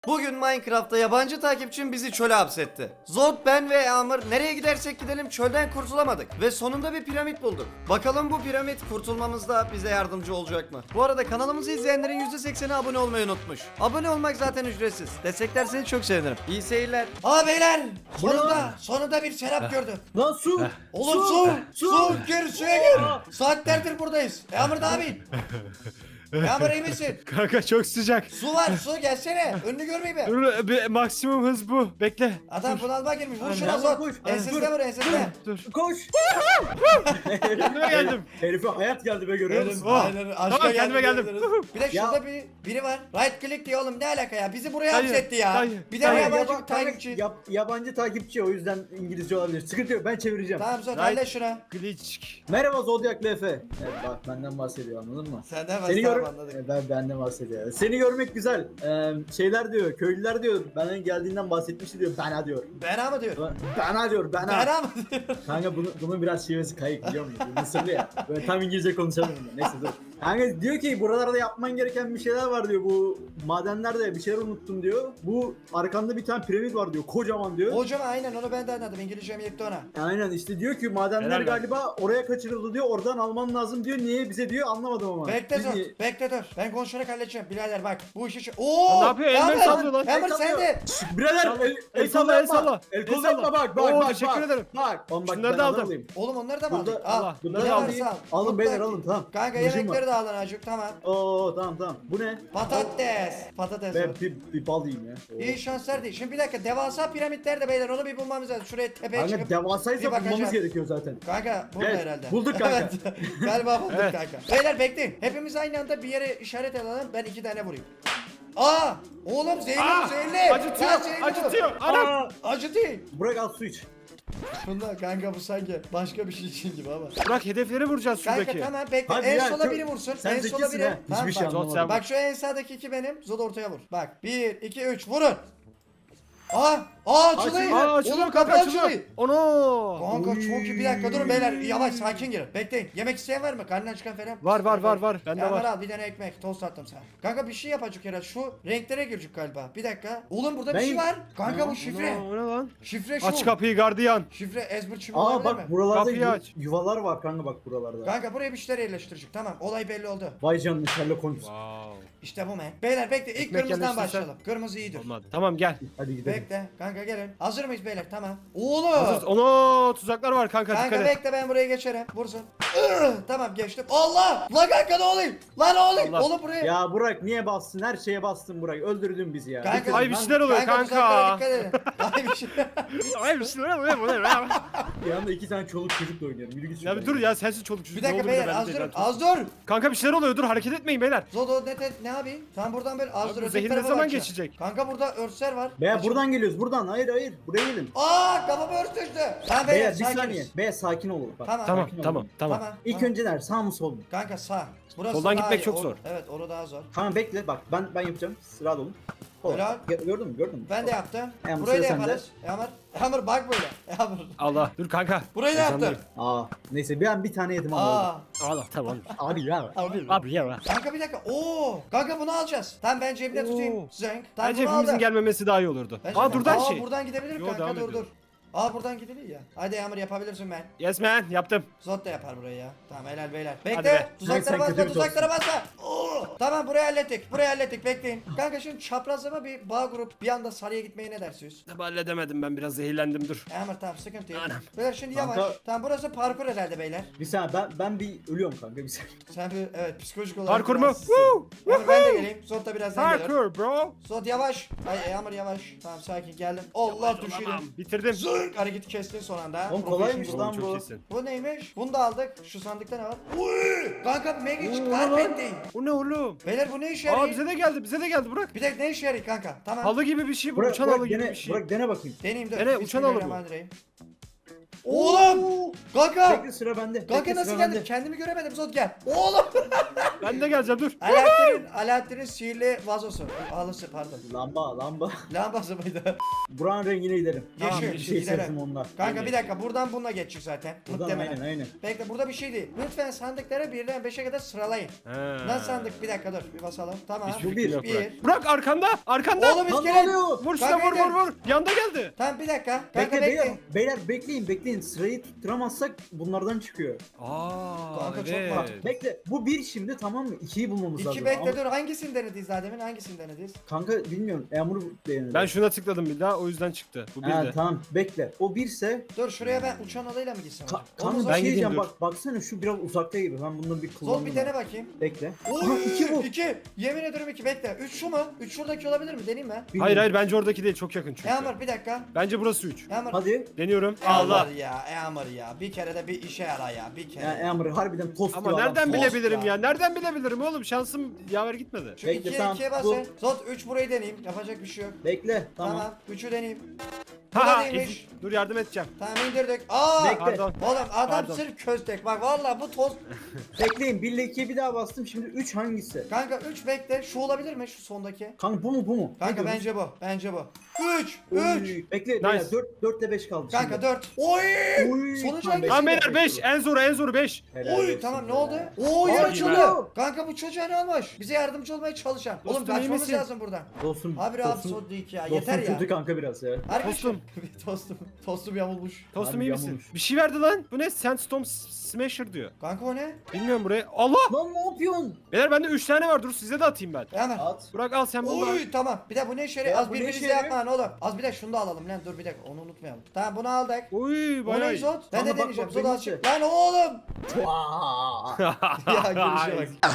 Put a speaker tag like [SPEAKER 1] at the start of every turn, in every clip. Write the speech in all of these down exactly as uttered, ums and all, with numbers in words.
[SPEAKER 1] Bugün Minecraft'ta yabancı takipçim bizi çöle hapsetti. Zod, ben ve Yağmur nereye gidersek gidelim çölden kurtulamadık. Ve sonunda bir piramit bulduk. Bakalım bu piramit kurtulmamızda bize yardımcı olacak mı? Bu arada kanalımızı izleyenlerin yüzde sekseni abone olmayı unutmuş. Abone olmak zaten ücretsiz. Desteklerseniz çok sevinirim. İyi seyirler. Aa beyler! Sonunda, sonunda bir serap gördüm.
[SPEAKER 2] Lan su!
[SPEAKER 1] Oğlum su! Su! Gir suya gir! Saatlerdir buradayız. Yağmur da abi. Yağmur iyi misin?
[SPEAKER 3] Kanka çok sıcak.
[SPEAKER 1] Su var, su gelsene. Önünü görmeyi be.
[SPEAKER 3] Dur bir maksimum hız bu. Bekle.
[SPEAKER 1] Adam bunalıma girmiş. Vur şuna
[SPEAKER 2] Yağmur
[SPEAKER 1] Zod.
[SPEAKER 2] koş.
[SPEAKER 1] Ensesine vur ensesine.
[SPEAKER 3] Dur.
[SPEAKER 2] Koş!
[SPEAKER 3] Kendime geldim.
[SPEAKER 2] Herife hayat geldi be görüyor musun?
[SPEAKER 3] Oh.
[SPEAKER 1] Aynen, aşka
[SPEAKER 3] Tamam, kendime
[SPEAKER 1] geldik
[SPEAKER 3] geldim.
[SPEAKER 1] diyebiliriz. Bir de
[SPEAKER 2] Ya-
[SPEAKER 1] şurada bir biri var. Right click diyor oğlum, ne alaka ya? Bizi buraya
[SPEAKER 3] Dayı,
[SPEAKER 1] hapsetti ya.
[SPEAKER 3] dayı,
[SPEAKER 1] Bir de
[SPEAKER 3] dayı.
[SPEAKER 1] yabancı
[SPEAKER 2] Yaba-
[SPEAKER 1] takipçi.
[SPEAKER 2] yab- yabancı takipçi o yüzden İngilizce olabilir. Sıkıntı yok ben çevireceğim.
[SPEAKER 1] Tamam Zod
[SPEAKER 3] Right.
[SPEAKER 1] hallet şuna.
[SPEAKER 3] Glitch.
[SPEAKER 2] Merhaba Zodiac Efe. Evet bak benden bahsediyor anladın mı?
[SPEAKER 1] Senden
[SPEAKER 2] Seni
[SPEAKER 1] başlayalım
[SPEAKER 2] gör
[SPEAKER 1] anladık.
[SPEAKER 2] E, ben benden bahsediyor. Seni görmek güzel. Ee, şeyler diyor, köylüler diyor. Bana geldiğinden bahsetmişti diyor. Bana diyor.
[SPEAKER 1] Bena mı diyor?
[SPEAKER 2] Bana diyor, bana.
[SPEAKER 1] Bena mı diyor?
[SPEAKER 2] Kanka bunu, bunun biraz şivesi kayık biliyor musun? Mısırlı ya. Böyle tam İngilizce konuşamıyorum ben. Neyse dur. Kanka diyor ki buralarda yapman gereken bir şeyler var diyor. Bu madenlerde bir şeyler unuttum diyor. Bu arkanda bir tane piramit var diyor. Kocaman diyor.
[SPEAKER 1] Hocam aynen onu ben de anladım. İngilizcem yetti ona.
[SPEAKER 2] Aynen işte diyor ki madenler
[SPEAKER 3] Helal lan.
[SPEAKER 2] galiba oraya kaçırıldı diyor. Oradan alman lazım diyor. Niye bize diyor anlamadım ama.
[SPEAKER 1] Bekle
[SPEAKER 2] Biz
[SPEAKER 1] Zod.
[SPEAKER 2] niye-
[SPEAKER 1] Bekle dur. Ben konuşarak halledeceğim. Birader bak. Bu işi şu... Ooo!
[SPEAKER 3] Ne yapıyor? Elleri sallıyor lan.
[SPEAKER 1] Yağmur
[SPEAKER 2] El
[SPEAKER 1] sen
[SPEAKER 2] sallıyor.
[SPEAKER 1] de.
[SPEAKER 2] Şşş, Birader
[SPEAKER 3] Salla.
[SPEAKER 2] el,
[SPEAKER 3] El
[SPEAKER 2] el
[SPEAKER 3] salla,
[SPEAKER 2] salla
[SPEAKER 3] el
[SPEAKER 2] yapma.
[SPEAKER 3] salla.
[SPEAKER 2] El
[SPEAKER 3] El
[SPEAKER 2] kol
[SPEAKER 3] salla.
[SPEAKER 2] yapma bak bak
[SPEAKER 3] Oo,
[SPEAKER 2] bak.
[SPEAKER 3] teşekkür
[SPEAKER 2] bak.
[SPEAKER 3] ederim.
[SPEAKER 2] Bak. Oğlum bak
[SPEAKER 3] Şunları
[SPEAKER 2] ben
[SPEAKER 3] da
[SPEAKER 2] hazır
[SPEAKER 3] aldım.
[SPEAKER 2] olayım.
[SPEAKER 1] Oğlum onları da mı
[SPEAKER 2] Burada-
[SPEAKER 1] aldın? Al.
[SPEAKER 3] Allah.
[SPEAKER 2] Bunları
[SPEAKER 1] Bunları
[SPEAKER 2] al.
[SPEAKER 1] alırsa al.
[SPEAKER 2] Alın
[SPEAKER 1] Çok
[SPEAKER 2] beyler
[SPEAKER 1] taktik.
[SPEAKER 2] alın tamam.
[SPEAKER 1] Kanka
[SPEAKER 2] Kılıcım
[SPEAKER 1] yemekleri
[SPEAKER 2] var.
[SPEAKER 1] de alın acık tamam.
[SPEAKER 2] Oo tamam tamam. Bu ne?
[SPEAKER 1] Patates. Patates.
[SPEAKER 2] Ben
[SPEAKER 1] var.
[SPEAKER 2] bir, bir bal yiyeyim ya. Oo.
[SPEAKER 1] İyi şanslar değil. Şimdi bir dakika devasa piramitler de beyler onu bir bulmamız lazım. Şuraya tepeye
[SPEAKER 2] Kanka
[SPEAKER 1] çıkıp.
[SPEAKER 2] devasaysa
[SPEAKER 1] bir bakacağım.
[SPEAKER 2] bulmamız gerekiyor zaten.
[SPEAKER 1] Kanka burada
[SPEAKER 2] Evet,
[SPEAKER 1] herhalde.
[SPEAKER 2] bulduk kanka.
[SPEAKER 1] Evet. Galiba bulduk
[SPEAKER 3] Evet.
[SPEAKER 1] kanka. Beyler bekleyin. Hepimiz aynı anda bir yere işaret alalım. Ben iki tane vurayım. Aa! Oğlum zehirli
[SPEAKER 3] Aa,
[SPEAKER 1] bu zehirli.
[SPEAKER 3] acıtıyor,
[SPEAKER 1] Lan zehirli bu.
[SPEAKER 3] acıtıyor. Anam.
[SPEAKER 2] Aa,
[SPEAKER 1] Acı değil.
[SPEAKER 2] Burak al su iç.
[SPEAKER 1] Bunda kanka bu sanki başka bir şey için gibi ama.
[SPEAKER 3] Bırak hedefleri vuracağız
[SPEAKER 1] Kanka
[SPEAKER 3] şuradaki.
[SPEAKER 1] tamam bekle.
[SPEAKER 2] Hadi
[SPEAKER 1] en
[SPEAKER 2] ya,
[SPEAKER 1] sola
[SPEAKER 2] çok-
[SPEAKER 1] biri vursun.
[SPEAKER 2] sen
[SPEAKER 1] en sola
[SPEAKER 2] zekisin
[SPEAKER 1] biri.
[SPEAKER 2] ha.
[SPEAKER 1] Tamam,
[SPEAKER 2] Hiçbir şey
[SPEAKER 1] bak.
[SPEAKER 3] Zod
[SPEAKER 2] anlamadım.
[SPEAKER 3] sen-
[SPEAKER 1] Bak şu en sağdaki iki benim. Zod ortaya vur. Bak bir, iki, üç vurun. Aa! Aa açılıyor.
[SPEAKER 3] Aa açılıyor
[SPEAKER 1] Oğlum
[SPEAKER 3] kanka
[SPEAKER 1] kapı
[SPEAKER 3] açılıyor.
[SPEAKER 1] açılıyor.
[SPEAKER 3] Ono.
[SPEAKER 1] Kanka
[SPEAKER 2] Oy.
[SPEAKER 1] çok iyi. Bir dakika durun beyler. Yavaş sakin girin. Bekleyin. Yemek isteyen var mı? Karnından çıkan falan.
[SPEAKER 3] Var var var var. Bende
[SPEAKER 1] Ya
[SPEAKER 3] var.
[SPEAKER 1] al bir tane ekmek. Tost attım sana. Kanka bir şey yapacak herhalde. Şu renklere girecek galiba. Bir dakika. Oğlum burada bir
[SPEAKER 2] Ben-
[SPEAKER 1] şey var. Kanka bu şifre.
[SPEAKER 3] Ono, o ne lan?
[SPEAKER 1] Şifre şu.
[SPEAKER 3] Aç kapıyı gardiyan.
[SPEAKER 1] Şifre ezber çivi
[SPEAKER 2] Aa
[SPEAKER 1] var değil
[SPEAKER 2] bak
[SPEAKER 1] mi?
[SPEAKER 2] buralarda
[SPEAKER 3] Kapıyı
[SPEAKER 2] yu-
[SPEAKER 3] aç.
[SPEAKER 2] yuvalar var kanka bak buralarda.
[SPEAKER 1] Kanka buraya bir şeyler yerleştirecek. Tamam olay belli oldu.
[SPEAKER 2] Vay canına Sherlock Holmes.
[SPEAKER 3] Wow.
[SPEAKER 1] İşte bu men. Beyler bekle. İlk
[SPEAKER 3] Ekmek
[SPEAKER 1] kırmızıdan
[SPEAKER 3] yerleştirsen-
[SPEAKER 1] başlayalım. Kırmızı iyidir.
[SPEAKER 3] Olmadı. Tamam gel.
[SPEAKER 2] Hadi gidelim.
[SPEAKER 1] Bekle. Kanka gelin. Hazır mıyız beyler? Tamam. Oğlum.
[SPEAKER 3] Hazır. Ono tuzaklar var kanka,
[SPEAKER 1] Kanka
[SPEAKER 3] dikkat et.
[SPEAKER 1] bekle ben buraya geçerim. Vursun. Ih, tamam geçtim. Allah! Lan kanka ne olayım? Lan ne olayım?
[SPEAKER 3] Allah.
[SPEAKER 1] Oğlum buraya.
[SPEAKER 2] Ya Burak niye bastın? Her şeye bastın Burak. Öldürdün bizi ya.
[SPEAKER 1] Kanka-
[SPEAKER 2] Bitirdin
[SPEAKER 3] Ay bir
[SPEAKER 2] lan.
[SPEAKER 3] şeyler oluyor
[SPEAKER 1] tuzaklara
[SPEAKER 3] kanka.
[SPEAKER 1] dikkat edin. Ay bir şey.
[SPEAKER 3] Ay bir şeyler oluyor.
[SPEAKER 2] Bir anda iki tane çoluk çocukla oynuyorum. Yürü git
[SPEAKER 3] Ya bir
[SPEAKER 2] şuradan.
[SPEAKER 3] dur ya, sensin çoluk çocuk.
[SPEAKER 1] Bir
[SPEAKER 3] Ne
[SPEAKER 1] dakika
[SPEAKER 3] oldu bir de
[SPEAKER 1] beyler
[SPEAKER 3] ben
[SPEAKER 1] az
[SPEAKER 3] de
[SPEAKER 1] dur.
[SPEAKER 3] ben-
[SPEAKER 1] Az dur.
[SPEAKER 3] Kanka bir şeyler oluyor, dur hareket etmeyin beyler.
[SPEAKER 1] Zodo ne, te- ne yapayım? Sen buradan böyle az
[SPEAKER 3] Abi
[SPEAKER 1] dur.
[SPEAKER 3] bu
[SPEAKER 1] öteki
[SPEAKER 3] zehir ne
[SPEAKER 1] tarafa
[SPEAKER 3] zaman
[SPEAKER 1] bakacağım.
[SPEAKER 3] geçecek?
[SPEAKER 1] Kanka burada örsler var.
[SPEAKER 2] Beyler
[SPEAKER 1] Açın.
[SPEAKER 2] buradan geliyoruz buradan. Hayır hayır. Buraya gelin.
[SPEAKER 1] Aa kafama örs düştü. Tamam beyler
[SPEAKER 2] Beyler bir
[SPEAKER 1] sakiniz.
[SPEAKER 2] saniye. Beyler sakin olun. Bak.
[SPEAKER 1] Tamam.
[SPEAKER 3] Tamam
[SPEAKER 2] Sakin olun.
[SPEAKER 3] tamam tamam.
[SPEAKER 1] Tamam.
[SPEAKER 2] İlk
[SPEAKER 1] tamam.
[SPEAKER 2] önce nerede? Sağ mı sol mu?
[SPEAKER 1] Kanka sağ. Burası
[SPEAKER 3] Soldan
[SPEAKER 1] daha
[SPEAKER 3] gitmek
[SPEAKER 1] iyi.
[SPEAKER 3] çok
[SPEAKER 1] Or-
[SPEAKER 3] zor.
[SPEAKER 1] Evet orada daha zor.
[SPEAKER 2] Tamam bekle bak ben ben yapacağım. Sıra olun. Kol.
[SPEAKER 1] Helal.
[SPEAKER 2] Gö- Gördün mü? Gördün mü?
[SPEAKER 1] Ben de yaptım.
[SPEAKER 2] Yağmur,
[SPEAKER 1] Burayı da
[SPEAKER 2] sıra sende.
[SPEAKER 1] yaparız. Yağmur. Yağmur bak böyle. Yağmur.
[SPEAKER 3] Allah dur kanka.
[SPEAKER 1] Burayı da yaptım.
[SPEAKER 3] Heyecanlıyım.
[SPEAKER 2] Aa neyse ben bir tane yedim ama.
[SPEAKER 1] Aa.
[SPEAKER 2] oldu.
[SPEAKER 3] Allah tamam.
[SPEAKER 2] Abi ya.
[SPEAKER 1] Abi.
[SPEAKER 3] Abi ya.
[SPEAKER 1] Kanka bir dakika. Oo. Kanka bunu alacağız. Tamam ben cebimde
[SPEAKER 3] Oo.
[SPEAKER 1] tutayım. Zenk. Tamam
[SPEAKER 3] Bence
[SPEAKER 1] bunu
[SPEAKER 3] hepimizin
[SPEAKER 1] aldım.
[SPEAKER 3] gelmemesi daha iyi olurdu.
[SPEAKER 1] Bence
[SPEAKER 3] Aa
[SPEAKER 1] de.
[SPEAKER 3] dur lan
[SPEAKER 1] Aa,
[SPEAKER 3] şey.
[SPEAKER 1] buradan gidebilirim
[SPEAKER 3] Yo,
[SPEAKER 1] kanka
[SPEAKER 3] devam
[SPEAKER 1] dur dur.
[SPEAKER 3] ediyor.
[SPEAKER 1] Aa buradan gidilir ya. Hadi Yağmur yapabilirsin ben.
[SPEAKER 3] Yes man yaptım.
[SPEAKER 1] Zot da yapar burayı ya. Tamam helal beyler.
[SPEAKER 3] Hadi
[SPEAKER 1] Bekle.
[SPEAKER 3] be.
[SPEAKER 1] Tuzaklara
[SPEAKER 2] Sen kötü
[SPEAKER 1] basma,
[SPEAKER 2] bir
[SPEAKER 1] tuzaklara basma. Oo. Tamam burayı hallettik. Burayı hallettik. Bekleyin. Kanka şimdi çaprazlama bir bağ grup bir anda sarıya gitmeye ne dersiniz?
[SPEAKER 3] Tabi halledemedim, ben biraz zehirlendim, dur.
[SPEAKER 1] Yağmur tamam sıkıntı yok.
[SPEAKER 3] Anam.
[SPEAKER 1] Beyler şimdi
[SPEAKER 2] Kanka-
[SPEAKER 1] yavaş. Tamam burası parkur herhalde beyler.
[SPEAKER 2] Bir saniye ben ben bir ölüyorum kanka bir saniye.
[SPEAKER 1] Sen bir evet psikolojik olarak.
[SPEAKER 3] Parkur mu?
[SPEAKER 1] biraz-
[SPEAKER 3] Woo!
[SPEAKER 1] Yağmur ben de geleyim. Zot da birazdan gelir.
[SPEAKER 3] Parkur bro.
[SPEAKER 1] Zot yavaş. Ay Yağmur yavaş. Tamam sakin geldim. Allah düşürdüm.
[SPEAKER 3] Tamam, bitirdim.
[SPEAKER 1] Zırk hareketi kestin son anda.
[SPEAKER 2] Oğlum kolaymış
[SPEAKER 1] Professional.
[SPEAKER 2] lan
[SPEAKER 3] Çok
[SPEAKER 2] bu.
[SPEAKER 3] iyisin.
[SPEAKER 1] Bu neymiş? Bunu da aldık. Şu sandıkta ne var? Uy! Kanka Magic
[SPEAKER 3] Oo,
[SPEAKER 1] Carpet'teyim.
[SPEAKER 3] Bu ne oğlum?
[SPEAKER 1] Beyler bu ne işe
[SPEAKER 3] Aa
[SPEAKER 1] yarıyor?
[SPEAKER 3] bize de geldi, bize de geldi Burak.
[SPEAKER 1] Bir de ne işe yarıyor kanka? Tamam.
[SPEAKER 3] Halı gibi bir şey bu,
[SPEAKER 2] Burak,
[SPEAKER 3] uçan
[SPEAKER 2] Burak
[SPEAKER 3] halı gibi
[SPEAKER 2] dene,
[SPEAKER 3] bir şey.
[SPEAKER 2] Burak dene bakayım.
[SPEAKER 1] Deneyim dur.
[SPEAKER 3] Dene, uçan halı bu.
[SPEAKER 1] Bismillahirrahmanirrahim. Oğlum. Kanka.
[SPEAKER 2] Bekle sıra bende.
[SPEAKER 1] Kanka
[SPEAKER 2] Bekle,
[SPEAKER 1] nasıl
[SPEAKER 2] sıra
[SPEAKER 1] geldin?
[SPEAKER 2] bende.
[SPEAKER 1] Kendimi göremedim Zot gel. Oğlum.
[SPEAKER 3] Ben de geleceğim dur.
[SPEAKER 1] Alaaddin'in Alaaddin'in sihirli vazosu. Halısı pardon.
[SPEAKER 2] Lamba lamba.
[SPEAKER 1] Lambası mıydı?
[SPEAKER 2] Buranın rengine gidelim.
[SPEAKER 1] Tamam,
[SPEAKER 2] bir
[SPEAKER 1] yeşil,
[SPEAKER 2] şey
[SPEAKER 1] gidelim.
[SPEAKER 2] sevdim ondan.
[SPEAKER 1] Kanka bir dakika buradan bununla geçecek zaten.
[SPEAKER 2] Buradan
[SPEAKER 1] Muhtemelen.
[SPEAKER 2] aynen aynen.
[SPEAKER 1] Bekle burada bir şey değil. Lütfen sandıkları birden beşe kadar sıralayın.
[SPEAKER 3] He.
[SPEAKER 1] Nasıl sandık? Bir dakika dur bir basalım. Tamam.
[SPEAKER 3] Hiçbir
[SPEAKER 2] Bu
[SPEAKER 3] fikrim
[SPEAKER 2] bir.
[SPEAKER 3] yok
[SPEAKER 1] Bir.
[SPEAKER 3] Burak. Burak arkanda arkanda.
[SPEAKER 1] Oğlum
[SPEAKER 2] Lan ne
[SPEAKER 1] iskelet.
[SPEAKER 2] oluyor?
[SPEAKER 3] Vur şuna
[SPEAKER 1] Kanka
[SPEAKER 3] vur
[SPEAKER 1] gel.
[SPEAKER 3] vur vur. Yanda geldi.
[SPEAKER 1] Tamam bir dakika. Kanka
[SPEAKER 2] Bekle
[SPEAKER 1] bekle.
[SPEAKER 2] beyler, beyler bekleyin bekleyin sırayı tutturamazsak bunlardan çıkıyor.
[SPEAKER 3] Aa
[SPEAKER 1] Kanka çok
[SPEAKER 3] evet.
[SPEAKER 1] mantıklı.
[SPEAKER 2] Bekle bu bir şimdi tamam mı? İkiyi bulmamız lazım.
[SPEAKER 1] İki bekle
[SPEAKER 2] Ama-
[SPEAKER 1] dur. Hangisini denediyiz daha demin? Hangisini denediyiz?
[SPEAKER 2] Kanka bilmiyorum. Yağmur beğenir.
[SPEAKER 3] Ben şuna tıkladım bir daha o yüzden çıktı. Bu bir
[SPEAKER 2] Ha,
[SPEAKER 3] de.
[SPEAKER 2] tamam bekle. O birse
[SPEAKER 1] Dur şuraya ben uçan adayla mı gitsem?
[SPEAKER 2] Ka-
[SPEAKER 1] Onu
[SPEAKER 2] kanka
[SPEAKER 1] Zot-
[SPEAKER 2] ben
[SPEAKER 3] gideyim,
[SPEAKER 2] diyeceğim
[SPEAKER 3] dur.
[SPEAKER 2] bak baksana şu biraz uzakta gibi. Ben bundan bir kullandım.
[SPEAKER 1] Zot bir dene bakayım.
[SPEAKER 2] Bekle. Aha,
[SPEAKER 1] Oy,
[SPEAKER 2] iki bu.
[SPEAKER 1] iki. Yemin ederim iki bekle. Üç şu mu? Üç şuradaki olabilir mi? Deneyeyim mi?
[SPEAKER 3] Hayır
[SPEAKER 2] Bilmiyorum.
[SPEAKER 3] hayır bence oradaki değil çok yakın çünkü.
[SPEAKER 1] Yağmur bir dakika.
[SPEAKER 3] Bence burası üç.
[SPEAKER 1] Yağmur.
[SPEAKER 2] Hadi.
[SPEAKER 3] Deniyorum.
[SPEAKER 1] Allah
[SPEAKER 3] Allah.
[SPEAKER 1] ya Yağmur ya. Bir kere de bir işe yara ya. Bir kere.
[SPEAKER 2] Ya Yağmur harbiden tost
[SPEAKER 3] Ama
[SPEAKER 2] gibi
[SPEAKER 3] nereden
[SPEAKER 2] adamsın.
[SPEAKER 1] Post
[SPEAKER 3] bilebilirim
[SPEAKER 1] ya.
[SPEAKER 3] ya? Nereden bilebilirim oğlum? Şansım yaver gitmedi.
[SPEAKER 1] Şu
[SPEAKER 2] Bekle,
[SPEAKER 1] ikiye
[SPEAKER 2] tamam.
[SPEAKER 1] ikiye
[SPEAKER 2] Bu-
[SPEAKER 1] basın. Zot üç burayı deneyeyim. Yapacak bir şey yok.
[SPEAKER 2] Bekle.
[SPEAKER 1] Tamam.
[SPEAKER 2] Tamam.
[SPEAKER 1] Üçü deneyeyim. Bu da
[SPEAKER 3] Ha
[SPEAKER 1] neymiş?
[SPEAKER 3] ezik. Dur yardım edeceğim.
[SPEAKER 1] Tamam indirdik. Aa!
[SPEAKER 2] Bekle.
[SPEAKER 3] Pardon.
[SPEAKER 1] Oğlum adam
[SPEAKER 3] Pardon.
[SPEAKER 1] sırf köstek. Bak vallahi bu toz.
[SPEAKER 2] Bekleyin. bir ile ikiye bir daha bastım. Şimdi üç hangisi?
[SPEAKER 1] Kanka üç bekle. Şu olabilir mi şu sondaki?
[SPEAKER 2] Kanka bu mu bu mu?
[SPEAKER 1] Kanka
[SPEAKER 2] Ne diyorsun?
[SPEAKER 1] bence bu. Bence bu. üç.
[SPEAKER 2] Oy,
[SPEAKER 1] üç.
[SPEAKER 2] Bekle.
[SPEAKER 3] Nice.
[SPEAKER 2] dört dört ile beş kaldı
[SPEAKER 1] Kanka
[SPEAKER 2] şimdi.
[SPEAKER 1] dört. Oy!
[SPEAKER 2] Oy,
[SPEAKER 1] Sonuç
[SPEAKER 2] tamam,
[SPEAKER 1] hangisi?
[SPEAKER 3] Tamam
[SPEAKER 2] beşi
[SPEAKER 3] beyler
[SPEAKER 2] de
[SPEAKER 3] beş. En zoru en zoru beş.
[SPEAKER 2] Helal
[SPEAKER 1] Oy
[SPEAKER 2] olsun
[SPEAKER 1] tamam ne
[SPEAKER 2] be.
[SPEAKER 1] oldu? Oo yer
[SPEAKER 2] Aa,
[SPEAKER 1] açıldı.
[SPEAKER 2] iyi.
[SPEAKER 1] Kanka bu çocuğa ne olmuş? Bize yardımcı olmaya çalışan. Oğlum
[SPEAKER 3] Dostum, iyi
[SPEAKER 1] kaçmamız
[SPEAKER 3] misin?
[SPEAKER 1] lazım buradan.
[SPEAKER 2] Dostum.
[SPEAKER 1] Abi abi
[SPEAKER 2] dostum,
[SPEAKER 1] son değil ya.
[SPEAKER 2] dostum
[SPEAKER 1] Yeter ya.
[SPEAKER 2] kötü kanka biraz ya.
[SPEAKER 1] Arkadaşlar-
[SPEAKER 3] Tostum.
[SPEAKER 1] tostum. Tostum yamulmuş.
[SPEAKER 3] Tostum
[SPEAKER 2] Harbi
[SPEAKER 3] iyi misin?
[SPEAKER 2] yamulmuş.
[SPEAKER 3] Bir şey verdi lan. Bu ne? Sandstorm Smasher diyor.
[SPEAKER 1] Kanka o ne?
[SPEAKER 3] Bilmiyorum buraya. Allah!
[SPEAKER 2] Lan ne yapıyorsun?
[SPEAKER 3] Beyler bende üç tane var. Dur size de atayım ben.
[SPEAKER 1] Hemen.
[SPEAKER 2] At.
[SPEAKER 3] Burak al sen bunu. da al.
[SPEAKER 1] Oy tamam. Bir de bu ne işe yarıyor?
[SPEAKER 2] Ya
[SPEAKER 1] Az
[SPEAKER 2] bu ne
[SPEAKER 1] birbirinize
[SPEAKER 2] işe yarıyor?
[SPEAKER 1] yapma oğlum. Az bir de şunu da alalım lan. Dur bir dakika onu unutmayalım. Tamam bunu aldık.
[SPEAKER 3] Oy
[SPEAKER 1] O
[SPEAKER 3] bayağı
[SPEAKER 1] ne
[SPEAKER 3] iyi.
[SPEAKER 1] Zot? Ben
[SPEAKER 2] Ama
[SPEAKER 1] de
[SPEAKER 2] bak,
[SPEAKER 1] deneyeceğim.
[SPEAKER 2] bak,
[SPEAKER 1] Zot
[SPEAKER 2] benim
[SPEAKER 1] açık.
[SPEAKER 2] de.
[SPEAKER 1] Lan oğlum.
[SPEAKER 2] Vaa.
[SPEAKER 1] Ya görüşe bak.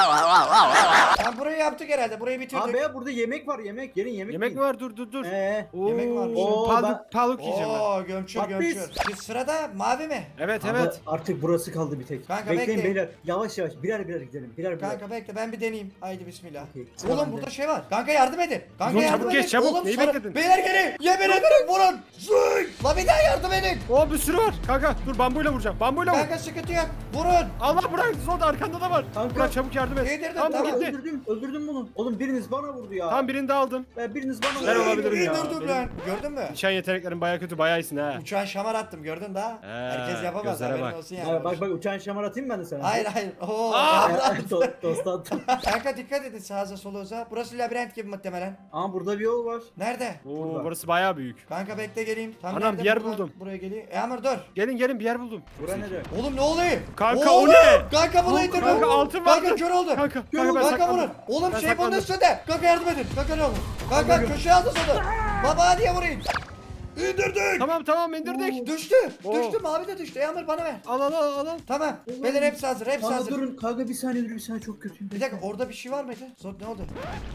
[SPEAKER 1] Tamam burayı yaptık herhalde. Burayı bitirdik.
[SPEAKER 2] Abi ya burada yemek var yemek. Gelin yemek
[SPEAKER 3] Yemek
[SPEAKER 2] yiyin.
[SPEAKER 3] mi var? Dur dur dur.
[SPEAKER 2] Ee,
[SPEAKER 3] Oo,
[SPEAKER 1] Yemek varmış.
[SPEAKER 2] Oo,
[SPEAKER 3] Paluk,
[SPEAKER 2] ben-
[SPEAKER 3] paluk yiyeceğim ben.
[SPEAKER 1] Oo gömçür
[SPEAKER 2] Patates.
[SPEAKER 1] gömçür. Şimdi sırada mavi mi?
[SPEAKER 3] Evet
[SPEAKER 2] ama
[SPEAKER 3] evet.
[SPEAKER 2] artık burası kaldı bir tek.
[SPEAKER 1] Kanka,
[SPEAKER 2] Bekleyin
[SPEAKER 1] bekleyin.
[SPEAKER 2] beyler. Yavaş yavaş birer birer gidelim. Birer birer.
[SPEAKER 1] Kanka bekle ben bir deneyeyim. Haydi bismillah.
[SPEAKER 2] Okey, sıra
[SPEAKER 1] Oğlum
[SPEAKER 2] bende.
[SPEAKER 1] burada şey var. Kanka yardım edin. Kanka
[SPEAKER 3] Zot,
[SPEAKER 1] yardım
[SPEAKER 3] çabuk
[SPEAKER 1] edin.
[SPEAKER 3] geç, çabuk.
[SPEAKER 1] Oğlum,
[SPEAKER 3] Neyi
[SPEAKER 1] sonra-
[SPEAKER 3] bekledin?
[SPEAKER 1] Beyler gelin. Yemin ederim vurun. Zık. La bir daha yardım edin.
[SPEAKER 3] Oo bir sürü var. Kanka dur bambuyla vuracağım. Bambuyla vur.
[SPEAKER 1] Kanka sıkıntı yok. Vurun.
[SPEAKER 3] Allah bırak Zod arkanda da var.
[SPEAKER 2] Kanka.
[SPEAKER 3] Burak çabuk yardım et.
[SPEAKER 1] Yedirdim,
[SPEAKER 3] Tamam,
[SPEAKER 1] tamam.
[SPEAKER 3] gitti.
[SPEAKER 2] Öldürdüm. Öldürdüm bunu. Oğlum biriniz bana vurdu ya.
[SPEAKER 3] Tamam birini de aldım.
[SPEAKER 2] Ben biriniz bana
[SPEAKER 3] Ben
[SPEAKER 2] vurdu.
[SPEAKER 3] olabilirim ya.
[SPEAKER 1] İndirdim
[SPEAKER 3] Benim-
[SPEAKER 1] lan. Gördün mü?
[SPEAKER 3] Nişan yeteneklerin baya kötü bayağı iyisin ha.
[SPEAKER 1] Uçağın şamar attım gördün daha.
[SPEAKER 3] He,
[SPEAKER 1] Herkes yapamaz
[SPEAKER 3] gözlere
[SPEAKER 1] haberin
[SPEAKER 3] bak.
[SPEAKER 1] olsun yani.
[SPEAKER 2] Ya bak bak uçağın şamar atayım ben de sana.
[SPEAKER 1] Hayır hayır. Oo.
[SPEAKER 3] Aa!
[SPEAKER 1] abla.
[SPEAKER 2] To- Tost attım.
[SPEAKER 1] Kanka dikkat edin sağa soluza. Burası labirent gibi muhtemelen.
[SPEAKER 2] Ama burada bir yol var.
[SPEAKER 1] Nerede?
[SPEAKER 3] Oo
[SPEAKER 2] Burada.
[SPEAKER 3] burası bayağı büyük.
[SPEAKER 1] Kanka bekle geleyim. Tam
[SPEAKER 3] Anam,
[SPEAKER 1] nerede?
[SPEAKER 3] bir yer
[SPEAKER 1] Buradan
[SPEAKER 3] buldum.
[SPEAKER 1] Buraya geleyim. E Amr dur.
[SPEAKER 3] Gelin gelin bir yer buldum.
[SPEAKER 2] Bura nere?
[SPEAKER 1] Oğlum ne oluyor?
[SPEAKER 3] Kanka,
[SPEAKER 1] Oğlum!
[SPEAKER 3] o ne?
[SPEAKER 1] Kanka bunu indirdim.
[SPEAKER 3] Kanka, altın
[SPEAKER 1] Kanka
[SPEAKER 3] vardı.
[SPEAKER 1] kör oldu.
[SPEAKER 3] Kanka,
[SPEAKER 1] Kör
[SPEAKER 3] kanka,
[SPEAKER 1] oldu.
[SPEAKER 3] ben
[SPEAKER 1] Kanka
[SPEAKER 3] saklandım.
[SPEAKER 1] vurun. Oğlum
[SPEAKER 3] Ben
[SPEAKER 1] şey bunun
[SPEAKER 3] saklandım.
[SPEAKER 1] üstünde. Kanka yardım edin. Kanka ne olur. Kanka köşeye aldı sonra. Baba diye vurayım. İndirdik.
[SPEAKER 3] Tamam tamam indirdik.
[SPEAKER 1] Düştü.
[SPEAKER 3] Oo.
[SPEAKER 1] Düştü mavi de düştü. E Amr bana ver.
[SPEAKER 3] Al al al al.
[SPEAKER 1] Tamam. Beyler hepsi hazır. Hepsi
[SPEAKER 2] Kanka
[SPEAKER 1] hazır.
[SPEAKER 2] durun. Kanka bir saniye dur bir saniye çok kötüyüm.
[SPEAKER 1] Bir dakika orada bir şey var mıydı? Zor ne oldu?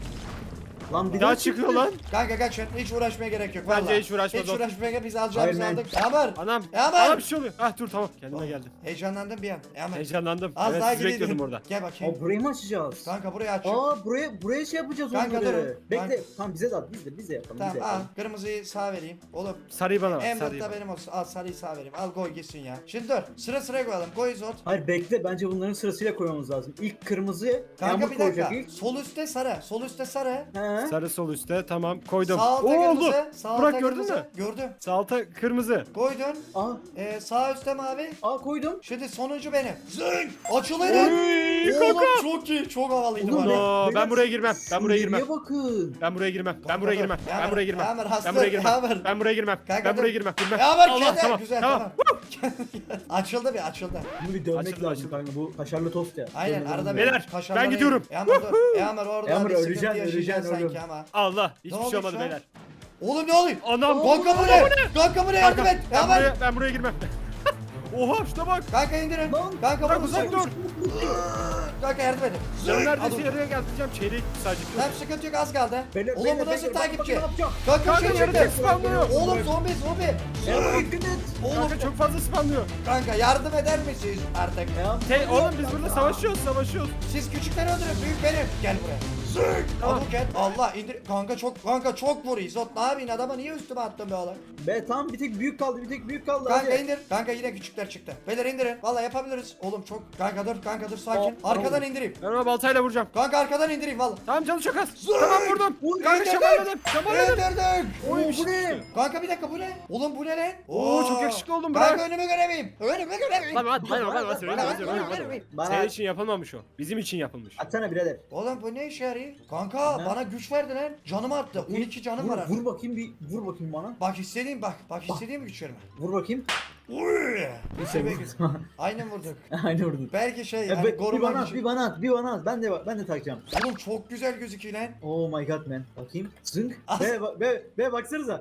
[SPEAKER 2] Lan bir
[SPEAKER 3] Daha
[SPEAKER 2] daha
[SPEAKER 3] çıkıyor lan.
[SPEAKER 1] Kanka kaç hiç uğraşmaya gerek yok.
[SPEAKER 3] Bence
[SPEAKER 1] vallahi.
[SPEAKER 3] hiç uğraşma,
[SPEAKER 1] Hiç
[SPEAKER 3] Zor.
[SPEAKER 1] uğraşmaya gerek biz alacağımızı
[SPEAKER 2] Aynen.
[SPEAKER 1] aldık. Amr.
[SPEAKER 3] Anam.
[SPEAKER 1] Ya ben-
[SPEAKER 3] Ana bir şey oluyor. Ah dur tamam kendime geldim.
[SPEAKER 1] Heyecanlandım bir an. E Amr.
[SPEAKER 3] Heyecanlandım.
[SPEAKER 1] Az
[SPEAKER 3] evet
[SPEAKER 1] daha
[SPEAKER 3] sizi
[SPEAKER 1] gidelim.
[SPEAKER 3] bekliyordum orada.
[SPEAKER 1] Gel bakayım.
[SPEAKER 2] Aa burayı mı açacağız?
[SPEAKER 1] Kanka burayı aç.
[SPEAKER 2] Aa buraya buraya şey yapacağız
[SPEAKER 1] Kanka,
[SPEAKER 2] onları.
[SPEAKER 1] durun.
[SPEAKER 2] Bekle.
[SPEAKER 1] Kanka.
[SPEAKER 2] Tamam bize de at. Biz de biz de yapalım.
[SPEAKER 1] Tamam
[SPEAKER 2] biz de
[SPEAKER 1] al.
[SPEAKER 2] yapalım.
[SPEAKER 1] Kırmızıyı sağ vereyim. Oğlum
[SPEAKER 3] Sarıyı bana ver.
[SPEAKER 1] en
[SPEAKER 3] Sarıyı
[SPEAKER 1] da
[SPEAKER 3] bana.
[SPEAKER 1] benim olsun. Al sarıyı sağ vereyim. Al koy gitsin ya. Şimdi dur. Sıra sıraya koyalım. Koy Zot.
[SPEAKER 2] Hayır bekle bence bunların sırasıyla koymamız lazım. İlk kırmızı
[SPEAKER 1] Kanka
[SPEAKER 2] Yağmur
[SPEAKER 1] bir
[SPEAKER 2] koyacak
[SPEAKER 1] dakika.
[SPEAKER 2] ilk.
[SPEAKER 1] Sol üstte sarı. Sol üstte sarı.
[SPEAKER 2] He.
[SPEAKER 3] Sarı sol üstte tamam koydum.
[SPEAKER 1] Sağ alta
[SPEAKER 3] Oo,
[SPEAKER 1] kırmızı.
[SPEAKER 3] oldu.
[SPEAKER 1] Sağ alta
[SPEAKER 3] Burak gördün
[SPEAKER 1] kırmızı.
[SPEAKER 3] mü?
[SPEAKER 1] Gördüm.
[SPEAKER 3] Sağ alta kırmızı.
[SPEAKER 1] Koydun.
[SPEAKER 2] Aa,
[SPEAKER 1] Ee, sağ üstte mavi.
[SPEAKER 2] aa koydum.
[SPEAKER 1] Şimdi sonuncu benim. Zing! Açılın.
[SPEAKER 3] Oy,
[SPEAKER 1] Oğlum
[SPEAKER 3] kanka.
[SPEAKER 1] çok iyi. Çok havalıydı
[SPEAKER 2] Oğlum,
[SPEAKER 1] var ya.
[SPEAKER 3] No, ben buraya girmem. Ben buraya girmem.
[SPEAKER 2] Nereye bakın?
[SPEAKER 3] Ben buraya girmem. Ben
[SPEAKER 1] Kanka
[SPEAKER 3] buraya
[SPEAKER 1] dur.
[SPEAKER 3] girmem.
[SPEAKER 1] Yağmur,
[SPEAKER 3] Ben buraya girmem.
[SPEAKER 1] Yağmur, hasta,
[SPEAKER 3] Ben buraya girmem.
[SPEAKER 1] Yağmur.
[SPEAKER 3] Ben buraya girmem.
[SPEAKER 1] Kanka
[SPEAKER 3] Ben
[SPEAKER 1] dur.
[SPEAKER 3] buraya girmem. Girmem.
[SPEAKER 1] Ya var
[SPEAKER 3] Allah
[SPEAKER 1] kedi.
[SPEAKER 3] tamam.
[SPEAKER 1] Güzel
[SPEAKER 3] Tamam.
[SPEAKER 1] tamam. açıldı bir açıldı.
[SPEAKER 2] Bunu bir dövmek
[SPEAKER 3] Açıldı,
[SPEAKER 2] lazım
[SPEAKER 3] açıldı.
[SPEAKER 2] kanka bu kaşarlı tost ya.
[SPEAKER 1] Aynen
[SPEAKER 2] Dövmeden
[SPEAKER 1] arada
[SPEAKER 2] dövmek.
[SPEAKER 3] Beyler,
[SPEAKER 1] bir kaşarlara
[SPEAKER 3] ben gidiyorum.
[SPEAKER 1] in. Yağmur dur. Yağmur orada
[SPEAKER 2] Yağmur,
[SPEAKER 1] bir sıkıntı
[SPEAKER 2] öleceksin,
[SPEAKER 1] yaşayacaksın
[SPEAKER 2] öleceksin
[SPEAKER 1] sanki
[SPEAKER 2] oğlum.
[SPEAKER 1] ama.
[SPEAKER 3] Allah.
[SPEAKER 1] Ne
[SPEAKER 3] Hiçbir şey
[SPEAKER 1] olmuş
[SPEAKER 3] olmadı
[SPEAKER 1] lan?
[SPEAKER 3] beyler.
[SPEAKER 1] Oğlum ne oluyor?
[SPEAKER 3] Anam.
[SPEAKER 1] Kanka bu ne? Kanka bu ne? Yardım
[SPEAKER 3] Kanka,
[SPEAKER 1] et.
[SPEAKER 3] ben
[SPEAKER 1] Yağmur.
[SPEAKER 3] buraya, ben buraya girmem. Oha şuna bak.
[SPEAKER 1] Kanka indirin.
[SPEAKER 2] Lan,
[SPEAKER 1] Kanka
[SPEAKER 3] Bırak
[SPEAKER 1] bunu
[SPEAKER 3] uzak dur.
[SPEAKER 1] Kanka yardım edin.
[SPEAKER 3] Ben neredeyse
[SPEAKER 1] Adım.
[SPEAKER 3] yarıya geleceğim. Çeyrek sadece.
[SPEAKER 1] Tamam sıkıntı yok az kaldı.
[SPEAKER 2] Beyler,
[SPEAKER 1] Oğlum
[SPEAKER 2] beyler,
[SPEAKER 1] bu nasıl
[SPEAKER 2] beyler, bak,
[SPEAKER 1] takipçi?
[SPEAKER 2] bak, ne yapacağım?
[SPEAKER 1] Kanka
[SPEAKER 3] Kanka
[SPEAKER 1] şey
[SPEAKER 3] yarı tek
[SPEAKER 1] çıktı.
[SPEAKER 3] spamlıyor.
[SPEAKER 1] Oğlum zombi zombi.
[SPEAKER 2] Yağmur dikkat et.
[SPEAKER 1] Oğlum
[SPEAKER 3] Kanka çok fazla spamlıyor.
[SPEAKER 1] kanka yardım eder misiniz artık?
[SPEAKER 2] Ya.
[SPEAKER 3] Hey oğlum biz burada savaşıyoruz savaşıyoruz.
[SPEAKER 1] Siz küçükleri öldürün büyük benim. Gel buraya. Zık.
[SPEAKER 3] Tamam.
[SPEAKER 1] Abuket. Allah indir. Kanka çok kanka çok vuruyor. Zot ne yapayım adama niye üstüme attın be oğlum?
[SPEAKER 2] Be tamam bir tek büyük kaldı bir tek büyük kaldı.
[SPEAKER 1] Kanka
[SPEAKER 2] hadi.
[SPEAKER 1] indir. Kanka yine küçükler çıktı. Beyler indirin. Vallahi yapabiliriz. Oğlum çok. Kanka dur kanka dur sakin.
[SPEAKER 2] Aa,
[SPEAKER 1] Arkadan
[SPEAKER 2] oldu.
[SPEAKER 1] indireyim.
[SPEAKER 3] Ben ona baltayla vuracağım.
[SPEAKER 1] Kanka arkadan indireyim vallahi.
[SPEAKER 3] Tamam canı çok az.
[SPEAKER 1] Zık.
[SPEAKER 3] Tamam vurdum.
[SPEAKER 1] Vur,
[SPEAKER 3] Kanka
[SPEAKER 1] indirdim.
[SPEAKER 3] şamarladım. Şamarladım.
[SPEAKER 1] İndirdik.
[SPEAKER 2] Oy
[SPEAKER 3] Oy,
[SPEAKER 2] bu ne?
[SPEAKER 1] Kanka bir dakika bu ne? Oğlum bu ne lan?
[SPEAKER 3] Oo, çok yakışıklı oldun
[SPEAKER 1] Kanka
[SPEAKER 3] bırak.
[SPEAKER 1] önümü göremeyim. Önümü göremeyim.
[SPEAKER 3] Tamam hadi hadi hadi hadi hadi hadi
[SPEAKER 1] Bana-
[SPEAKER 3] hadi.
[SPEAKER 2] Bana
[SPEAKER 3] Senin için yapılmamış o. Bizim için yapılmış.
[SPEAKER 2] atsana birader.
[SPEAKER 1] Oğlum bu ne işe yarıyor? Kanka
[SPEAKER 2] Ne?
[SPEAKER 1] bana güç verdi lan. Canımı attı. on iki canım
[SPEAKER 2] vur,
[SPEAKER 1] var artık.
[SPEAKER 2] vur bakayım bir vur bakayım bana.
[SPEAKER 1] Bak istediğim bak. Bak istediğim güç verme.
[SPEAKER 2] Vur bakayım.
[SPEAKER 1] Uy.
[SPEAKER 2] Bir şey
[SPEAKER 1] Peki.
[SPEAKER 2] vur.
[SPEAKER 1] Aynen vurduk.
[SPEAKER 2] Aynı vurdun.
[SPEAKER 1] Belki şey
[SPEAKER 2] Ya
[SPEAKER 1] hani
[SPEAKER 2] be- bir
[SPEAKER 1] koruma
[SPEAKER 2] bana at,
[SPEAKER 1] gücü.
[SPEAKER 2] bir bana at, bir bana at. Ben de ben de takacağım.
[SPEAKER 1] Oğlum çok güzel gözüküyor lan.
[SPEAKER 2] Oh my god man. Bakayım. Zınk.
[SPEAKER 1] Az-
[SPEAKER 2] Be be be baksanıza.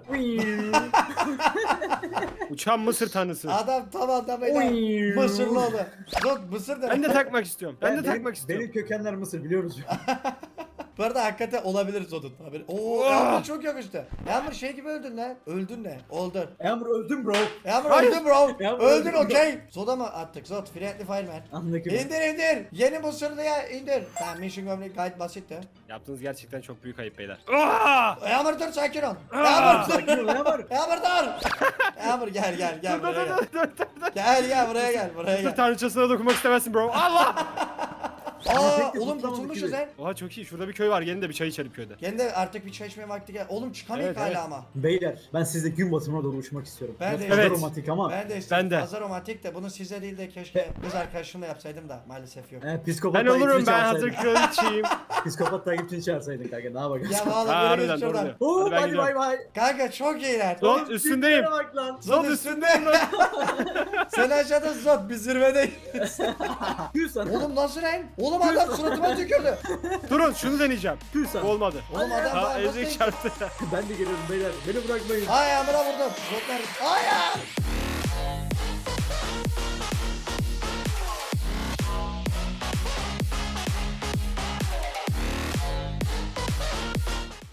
[SPEAKER 3] Uçan Mısır tanrısı.
[SPEAKER 1] Adam tam adamıyla
[SPEAKER 2] Oy.
[SPEAKER 1] Mısırlı oldu. Zot Mısır da.
[SPEAKER 3] Ben de takmak istiyorum. Ben de
[SPEAKER 2] benim-
[SPEAKER 3] takmak istiyorum.
[SPEAKER 2] Benim kökenler Mısır biliyoruz.
[SPEAKER 1] Bu arada hakikaten olabilir Zot'un. Haberi. Oo
[SPEAKER 3] Oh.
[SPEAKER 1] Yağmur çok yakıştı. Yağmur şey gibi öldün lan. Öldün ne? Oldun.
[SPEAKER 2] Emre öldüm bro.
[SPEAKER 1] Yağmur
[SPEAKER 3] Hayır.
[SPEAKER 1] öldün bro.
[SPEAKER 2] Yağmur
[SPEAKER 1] Öldün
[SPEAKER 2] öldüm bro.
[SPEAKER 1] okey. Zot'a mı attık Zot? Friendly Fireman.
[SPEAKER 2] Anladım.
[SPEAKER 1] İndir indir. Yeni Mısırlı'ya indir. Tamam mission gömlek gayet basitti.
[SPEAKER 3] Yaptığınız gerçekten çok büyük ayıp beyler. Aa!
[SPEAKER 1] Yağmur dur sakin ol.
[SPEAKER 3] Aa.
[SPEAKER 1] Yağmur dur.
[SPEAKER 2] Sakin ol Emre.
[SPEAKER 1] Yağmur dur. Yağmur gel gel gel
[SPEAKER 3] Dur dur
[SPEAKER 1] buraya gel.
[SPEAKER 3] dur dur dur.
[SPEAKER 1] Gel gel buraya gel buraya
[SPEAKER 3] Mısır
[SPEAKER 1] gel.
[SPEAKER 3] tanrıçasına dokunmak istemezsin bro. Allah!
[SPEAKER 1] Aa
[SPEAKER 2] Tek de
[SPEAKER 1] oğlum
[SPEAKER 2] tutlamadık
[SPEAKER 1] kurtulmuşuz
[SPEAKER 2] gibi.
[SPEAKER 1] lan.
[SPEAKER 3] Oha çok iyi. Şurada bir köy var. Gelin de bir çay içelim köyde.
[SPEAKER 1] Gene de artık bir çay içmeye vakti gel. Oğlum çıkamayız
[SPEAKER 3] Evet,
[SPEAKER 1] hala
[SPEAKER 3] evet.
[SPEAKER 1] ama.
[SPEAKER 2] Beyler ben sizle gün batımına doğru uçmak istiyorum.
[SPEAKER 1] Ben de
[SPEAKER 2] Biraz fazla
[SPEAKER 3] Evet.
[SPEAKER 2] romantik ama.
[SPEAKER 1] Ben de istedim.
[SPEAKER 3] Ben de.
[SPEAKER 1] Fazla romantik de bunu size değil de keşke kız arkadaşımla yapsaydım da maalesef yok.
[SPEAKER 2] He, psikopat
[SPEAKER 3] Ben olurum
[SPEAKER 2] takipçini
[SPEAKER 3] ben hazır
[SPEAKER 2] çağırsaydın.
[SPEAKER 3] kraliçeyim.
[SPEAKER 2] Psikopat takipçini çağırsaydın kanka ne yapalım.
[SPEAKER 1] Ya vallahi
[SPEAKER 3] Ha,
[SPEAKER 1] böyle
[SPEAKER 3] harbiden
[SPEAKER 1] git
[SPEAKER 3] doğru
[SPEAKER 1] şuradan.
[SPEAKER 3] diyor.
[SPEAKER 2] Oo
[SPEAKER 3] Hadi ben
[SPEAKER 2] hadi
[SPEAKER 3] gidiyorum.
[SPEAKER 2] bay bay.
[SPEAKER 1] Kanka çok iyiler.
[SPEAKER 3] Zot
[SPEAKER 2] Oğlum,
[SPEAKER 3] üstündeyim.
[SPEAKER 2] tiplere bak lan.
[SPEAKER 3] Zot üstündeyim lan.
[SPEAKER 1] Sen aşağıda Zot biz zirvedeyiz.
[SPEAKER 2] Tüh sana.
[SPEAKER 1] Oğlum nasıl lan? Oğlum adam suratıma tükürdü.
[SPEAKER 3] Durun şunu deneyeceğim.
[SPEAKER 2] Tüh sana.
[SPEAKER 3] Olmadı.
[SPEAKER 1] Oğlum adam
[SPEAKER 3] Ha
[SPEAKER 1] daha
[SPEAKER 3] ezik çarptı.
[SPEAKER 2] Ben de geliyorum beyler. Beni bırakmayın.
[SPEAKER 1] Ay amına vurdum. Zotlar. Ay ay.